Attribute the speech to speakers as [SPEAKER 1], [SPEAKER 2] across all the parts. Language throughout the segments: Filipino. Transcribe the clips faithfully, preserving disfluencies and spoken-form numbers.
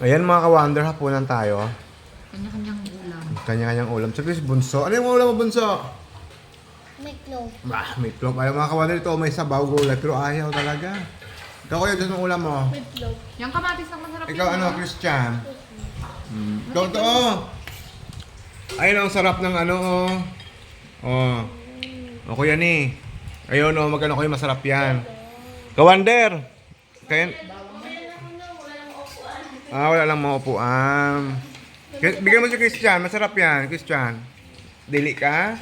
[SPEAKER 1] Ayan mga ka-wonder, hapunan tayo.
[SPEAKER 2] Kanya-kanyang ulam.
[SPEAKER 1] Kanya-kanyang ulam. Sa Chris, bunso. Ano yung ulam mo, bunso?
[SPEAKER 3] Meatloaf.
[SPEAKER 1] Bah, may plop. Ayaw mga ka-wonder, ito may sabaw gulay. Pero ayaw talaga. Ikaw kuya, gusto ng ulam mo?
[SPEAKER 3] Meatloaf.
[SPEAKER 2] Yung kamatis ang masarap
[SPEAKER 1] Ikaw
[SPEAKER 2] yun,
[SPEAKER 1] ano,
[SPEAKER 2] ah.
[SPEAKER 1] Christian? Hmm. Ito, ito. Ayun ang sarap ng ano, oh. Oh. O kuya ni. Ayun, oh, magkano kayo, masarap yan. Kawander. Kaya... Ah, wala lang mga upuan. Kaya- Bigyan mo si Christian, masarap yan, Christian. Dili ka?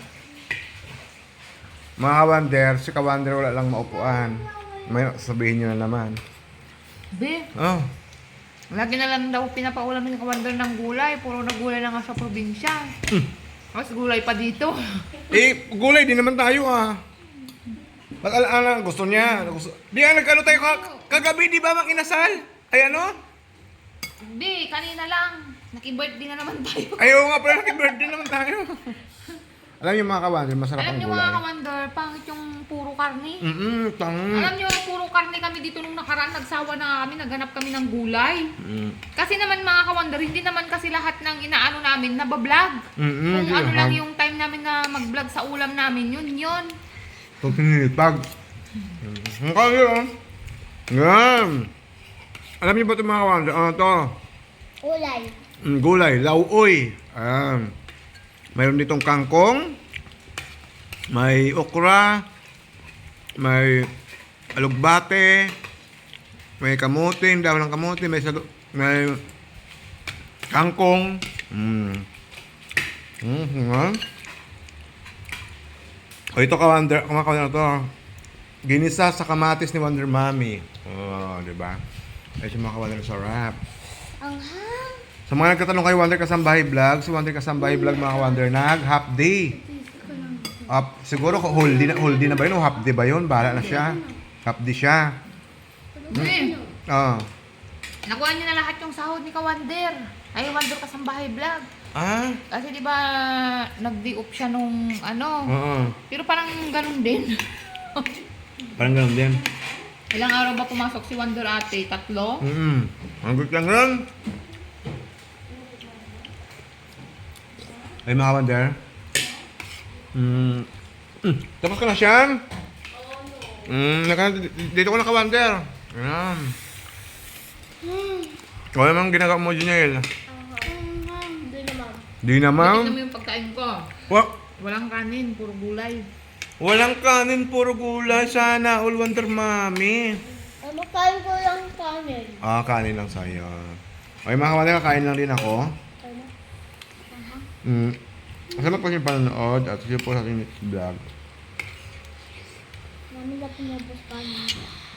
[SPEAKER 1] Mga kawander, si kawander wala lang maupuan. May sabihin nyo na naman.
[SPEAKER 2] Be,
[SPEAKER 1] Oh.
[SPEAKER 2] lagi na lang daw pinapaulam ng kawander ng gulay. Puro na gulay na nga sa probinsya.
[SPEAKER 1] Hmm.
[SPEAKER 2] Tapos gulay pa dito.
[SPEAKER 1] Eh, gulay din naman tayo ah. Ba't ala gusto niya? Gusto... Di ah, nagkano tayo ka- kagabi, di ba mang inasal? Ay ano?
[SPEAKER 2] Be, kanina lang. Naki-birthday na naman tayo.
[SPEAKER 1] Ayaw nga pala, naki-birthday naman tayo. Alam niyo mga kawander, masarap
[SPEAKER 2] Alam
[SPEAKER 1] ang
[SPEAKER 2] niyo
[SPEAKER 1] gulay.
[SPEAKER 2] mga kawander, pangit yung puro karne.
[SPEAKER 1] Mm-mm, tang.
[SPEAKER 2] Alam niyo, puro karne kami dito nung nakaraan. Nagsawa na kami, naghanap kami ng gulay.
[SPEAKER 1] Mm.
[SPEAKER 2] Kasi naman mga kawander, hindi naman kasi lahat ng inaano namin nabablog.
[SPEAKER 1] Mm-mm,
[SPEAKER 2] Kung
[SPEAKER 1] di
[SPEAKER 2] ano
[SPEAKER 1] naman.
[SPEAKER 2] lang yung time namin na mag-vlog sa ulam namin, yun yun.
[SPEAKER 1] Itong pinilipag. Ang kaya oh. Yan. Alam niyo ba ito mga kawander? Ano to?
[SPEAKER 3] Ulay.
[SPEAKER 1] Mm, gulay, lauoy. Ayan. Mayroon ditong kangkong, may okra, may alugbate, may kamote, ang dami ng kamote, may, salu- may kangkong. Mm. Mm, nga. O ito ka Wonder, kumakain na to. Ginisa sa kamatis ni Wonder Mommy. Oh, di ba? Ay, si mga ka-Wonder, sarap.
[SPEAKER 3] Ang hang.
[SPEAKER 1] Sa mga nagtatanong kay Wonder Kasambahay Vlog, si Wonder Kasambahay Vlog mga ka-Wonder, nag half day. Up, siguro whole day na, whole day na ba yun o half day ba yun? Bahala na siya. Half day siya.
[SPEAKER 2] Eh,
[SPEAKER 1] Ah.
[SPEAKER 2] nakuha niyo na lahat yung sahod ni Kawander. Ay, Wander Kasambahay Vlog.
[SPEAKER 1] Ah?
[SPEAKER 2] Kasi di ba nag-day off siya nung ano.
[SPEAKER 1] Oo.
[SPEAKER 2] Pero parang ganun din.
[SPEAKER 1] Parang ganun din.
[SPEAKER 2] Ilang araw ba pumasok si Wander ate? Tatlo?
[SPEAKER 1] Mm-mm. Ang good lang lang. Ay mga Wonder. Mm. Mm. Tapos ka na siya? Mm, naka, dito ko na ka-Wonder. Ayan. O naman ginagawa mo, Juniel?
[SPEAKER 3] Hindi naman.
[SPEAKER 1] Di na, ma'am.
[SPEAKER 2] Tignan mo yung pagkain ko.
[SPEAKER 1] Wa
[SPEAKER 2] Walang kanin, puro gulay.
[SPEAKER 1] walang kanin, puro gulay. Sana all Wonder Mommy.
[SPEAKER 3] Ay, makain ko lang kanin.
[SPEAKER 1] Ah, kanin lang sa'yo. Okay mga Wonder, kakain lang din ako.
[SPEAKER 3] Ano?
[SPEAKER 1] Mm. Salamat po sa inyong panonood at sige po sa ating next vlog.
[SPEAKER 3] Mami na pinabos kanin.